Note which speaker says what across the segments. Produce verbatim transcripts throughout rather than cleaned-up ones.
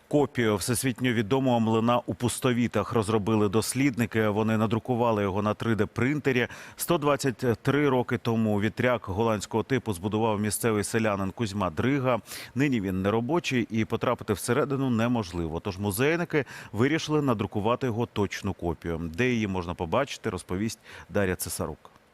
Speaker 1: Копію всесвітньо відомого млина у Пустовітах розробили дослідники. Вони надрукували його на три де-принтері. сто двадцять три роки тому вітряк голландського типу збудував місцевий селянин Кузьма Дрига. Нині він неробочий і потрапити всередину неможливо. Тож музейники вирішили надрукувати його точну копію. Де її можна побачити, розповість Дар'я Цесарук.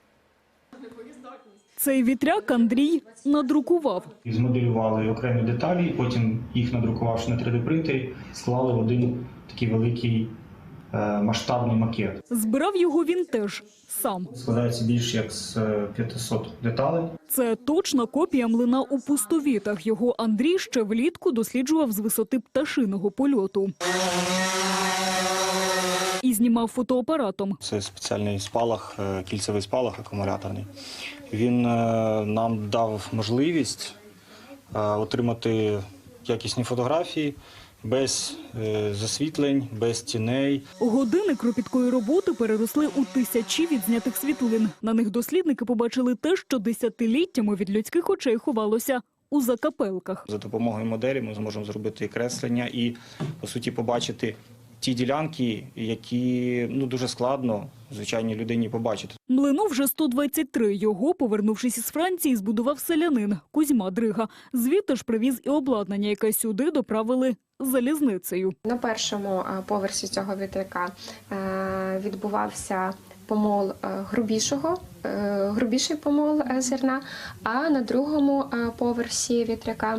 Speaker 2: Цей вітряк Андрій надрукував.
Speaker 3: Змоделювали окремі деталі, потім їх надрукувавши на три де-принтері, склали в один такий великий е, масштабний макет.
Speaker 2: Збирав його він теж сам.
Speaker 3: Складається більше як з п'ятисот деталей.
Speaker 2: Це точна копія млина у Пустовітах. Його Андрій ще влітку досліджував з висоти пташиного польоту. І знімав фотоапаратом.
Speaker 4: Це спеціальний спалах, кільцевий спалах акумуляторний. Він нам дав можливість отримати якісні фотографії без засвітлень, без тіней.
Speaker 2: Години кропіткої роботи переросли у тисячі відзнятих світлин. На них дослідники побачили те, що десятиліттями від людських очей ховалося у закапелках.
Speaker 4: За допомогою моделі ми зможемо зробити і креслення, і, по суті, побачити ті ділянки, які ну, дуже складно звичайній людині побачити.
Speaker 2: Млину вже сто двадцять три. Його, повернувшись із Франції, збудував селянин Кузьма Дрига. Звідти ж привіз і обладнання, яке сюди доправили залізницею.
Speaker 5: На першому поверсі цього вітряка відбувався помол грубішого, грубіший помол зерна, а на другому поверсі вітряка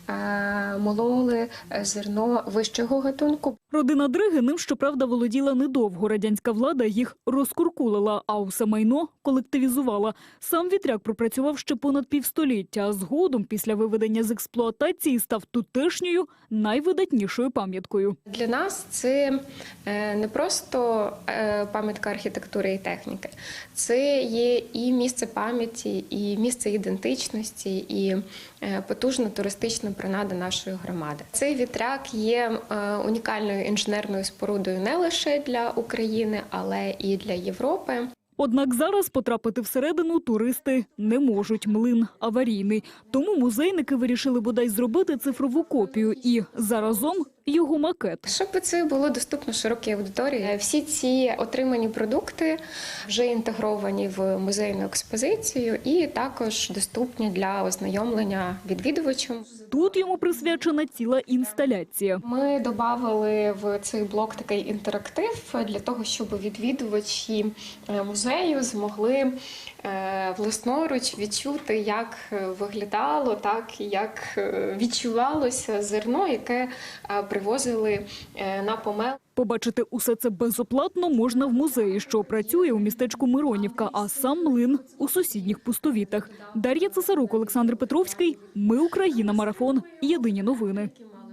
Speaker 5: мололи зерно вищого гатунку.
Speaker 2: Родина Дриги ним, щоправда, володіла недовго. Радянська влада їх розкуркулила, а усе майно колективізувала. Сам вітряк пропрацював ще понад півстоліття, а згодом, після виведення з експлуатації, став тутешньою найвидатнішою пам'яткою.
Speaker 5: Для нас це не просто пам'ятка архітектури і техніки. Це є і місце пам'яті, і місце ідентичності, і потужна туристична принада нашої громади. Цей вітряк є унікальною інженерною спорудою не лише для України, але і для Європи.
Speaker 2: Однак зараз потрапити всередину туристи не можуть. Млин аварійний. Тому музейники вирішили бодай зробити цифрову копію і заразом його макет.
Speaker 5: Щоб це було доступно широкій аудиторії, всі ці отримані продукти вже інтегровані в музейну експозицію і також доступні для ознайомлення відвідувачам.
Speaker 2: Тут йому присвячена ціла інсталяція.
Speaker 5: Ми додали в цей блок такий інтерактив для того, щоб відвідувачі музею змогли власноруч відчути, як виглядало, так як відчувалося зерно, яке привозили на помел.
Speaker 2: Побачити усе це безоплатно можна в музеї, що працює у містечку Миронівка, а сам млин у сусідніх Пустовітах. Дар'я Цесарук, Олександр Петровський. Ми Україна. Марафон. Єдині новини.